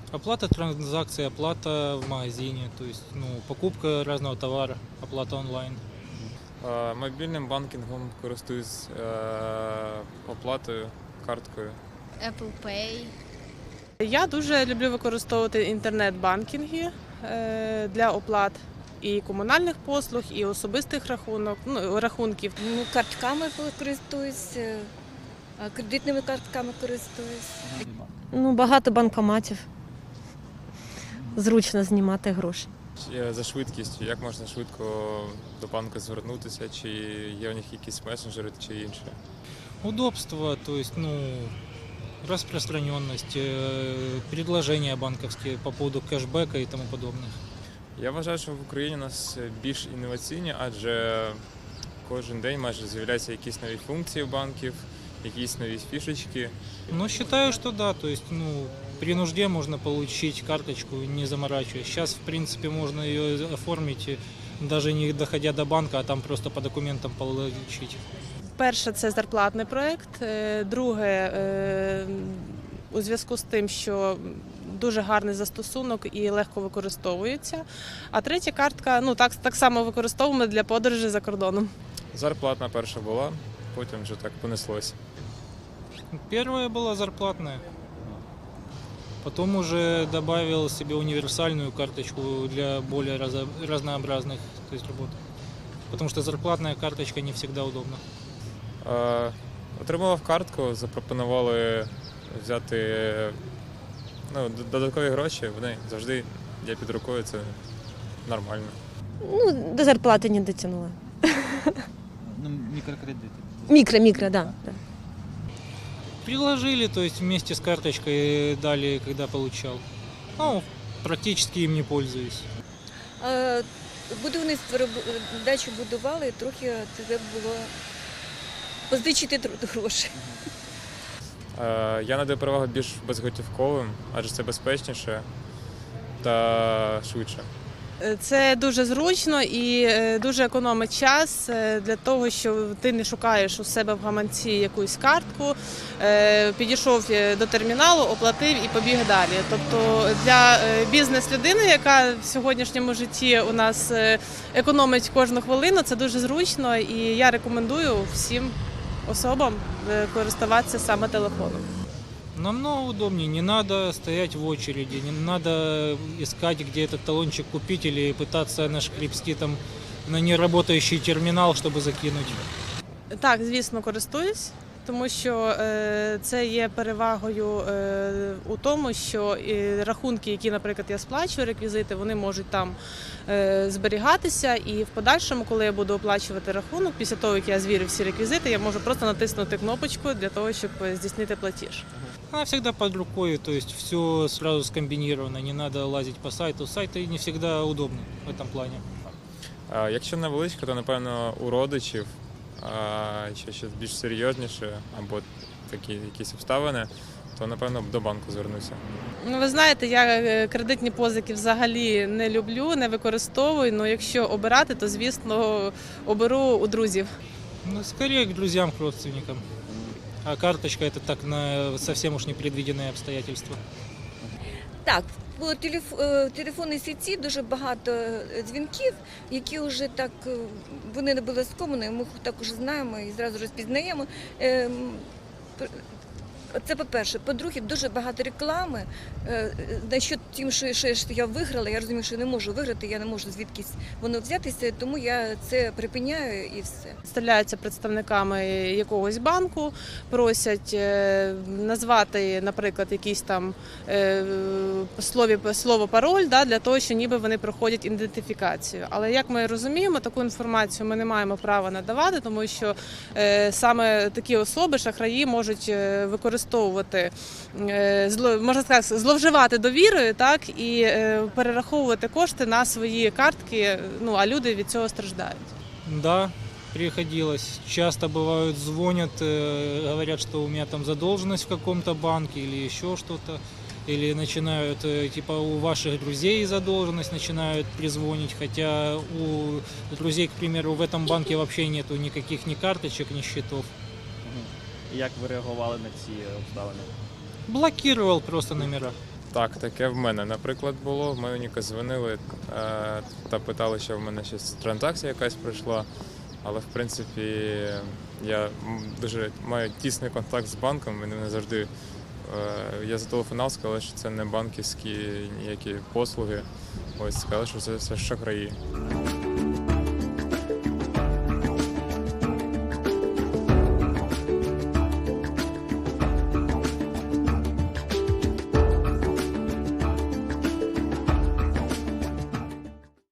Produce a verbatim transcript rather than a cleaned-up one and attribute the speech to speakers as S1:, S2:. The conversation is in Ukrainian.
S1: Оплата транзакций, оплата в магазине, то есть ну, покупка разного товара, оплата онлайн.
S2: Е, Мобільним банкінгом користуюсь, е, оплатою, карткою.
S3: Apple Pay.
S4: Я дуже люблю використовувати інтернет-банкінги е, для оплат і комунальних послуг, і особистих рахунок, ну, рахунків.
S3: Ну, картками користуюсь, е, а кредитними картками користуюсь.
S5: Ну, багато банкоматів. Зручно знімати гроші.
S2: Е, За швидкістю, як можна швидко до банку звернутися, чи є у них якісь месенджери чи інше.
S1: Удобство, то есть ну, распространенность, э, предложения банковские по поводу кэшбэка и тому подобных.
S2: Я вважаю, що в Україні у нас більш інноваційні, адже кожен день майже з'являються якісь нові функції банків, якісь нові фішечки.
S1: Но считаю, что да, то есть ну, при нужде можно получить карточку, не заморачиваясь. Сейчас, в принципе, можно ее оформить, э, даже не доходя до банка, а там просто по документам получить.
S4: Перше, це зарплатний проєкт. Е, Друге, е, у зв'язку з тим, що дуже гарний застосунок і легко використовується. А третя картка, ну так, так само використовуємо для подорожі за кордоном.
S2: Зарплатна перша була, потім вже так понеслось.
S1: Первая была зарплатная. Потом уже добавил себе универсальную карточку для более разо- разнообразных то есть, работ. Потому что зарплатная карточка не всегда удобна.
S2: Е, Отримував картку, запропонували взяти ну, д- додаткові гроші, вони завжди є під рукою, це нормально.
S5: Ну, до зарплати не дотягнула.
S6: Ну, мікрокредити.
S5: Мікро, мікро, да. да.
S1: Приложили, то есть вместе с карточкой дали, когда получал. Ну, практически им не пользуюсь.
S3: Е, Будівництво роб- дачу будували, трохи треба було позичити тр- гроші.
S2: Е, Я надаю перевагу більш безготівковим, адже це безпечніше та швидше.
S4: Е, Це дуже зручно і е, дуже економить час е, для того, що ти не шукаєш у себе в гаманці якусь картку, е, підійшов е, до терміналу, оплатив і побіг далі. Тобто для е, бізнес-людини, яка в сьогоднішньому житті у нас е, економить кожну хвилину, це дуже зручно, і я рекомендую всім особам е, користуватися саме телефоном.
S1: Намного удобнее, не надо стоять в очереди, не надо искать, где этот талончик купить или пытаться нашкребсти там на неработающий терминал, чтобы закинуть.
S4: Так, звісно, користуюсь, тому що е, це є перевагою е, у тому, що е, рахунки, які, наприклад, я сплачую, реквізити, вони можуть там е, зберігатися, і в подальшому, коли я буду оплачувати рахунок, після того, як я звірю всі реквізити, я можу просто натиснути кнопочку для того, щоб здійснити платіж.
S1: Она всегда под рукой, то есть все сразу скомбинировано, не надо лазить по сайту. Сайты не всегда удобны в этом плане.
S2: Е, Якщо невеличко, то напевно у родичів, а ще щось більш серйозніше або такі якісь обставини, то напевно до банку звернуся.
S4: Ну, ви знаєте, я е, кредитні позики взагалі не люблю, не використовую, але якщо обирати, то, звісно, оберу у друзів.
S1: Ну, скорее к друзьям, к родственникам. А карточка это так на совсем уж непредвиденные обстоятельства.
S3: Так, по телеф- е, телефонній сіті дуже багато е, дзвінків, які вже так, е, вони не обов'язково, ми їх також знаємо і зразу розпізнаємо. Ем, пр- Це по-перше. По-друге, дуже багато реклами. Е, На що тим, що, що я виграла, я розумію, що я не можу виграти, я не можу звідкись воно взятися, тому я це припиняю і все.
S4: Представляються представниками якогось банку, просять е, назвати, наприклад, якийсь там е, слові, слово пароль, да, для того, що ніби вони проходять ідентифікацію. Але як ми розуміємо, таку інформацію ми не маємо права надавати, тому що е, саме такі особи, шахраї, можуть е, використовувати, е, зло, можна сказати, зловживати довірою, так, і е, перераховувати кошти на свої картки, ну, а люди від цього страждають.
S1: Да, приходилось. Часто бывают звонят, э, говорят, что у меня там задолженность в каком-то банке или еще что-то. Или начинают, э, типа, у ваших друзей задолженность, начинают призвонить, хотя у друзей, к примеру, в этом банке вообще нету никаких ни карточек, ни счетов.
S6: І як ви реагували на ці обставини?
S1: Блокировал просто номера.
S2: Так, таке в мене, наприклад, було. В мене ніка дзвонили е, та питали, що в мене щось транзакція якась пройшла. Але в принципі я м, дуже маю тісний контакт з банком, вони не завжди. Е, я зателефонував, сказали, що це не банківські ніякі послуги. Ось сказали, що це все шахраї.